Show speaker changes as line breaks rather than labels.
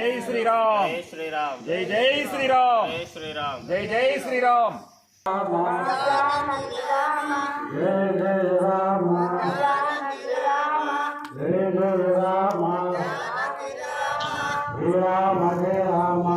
జై శ్రీరామ్
జై శ్రీరామ్
జై జై శ్రీరామ్
జై శ్రీరామ్
జై జై శ్రీరామ్
జయ జయ రామ జయ జయ రామ శ్రీరామ జయ రామ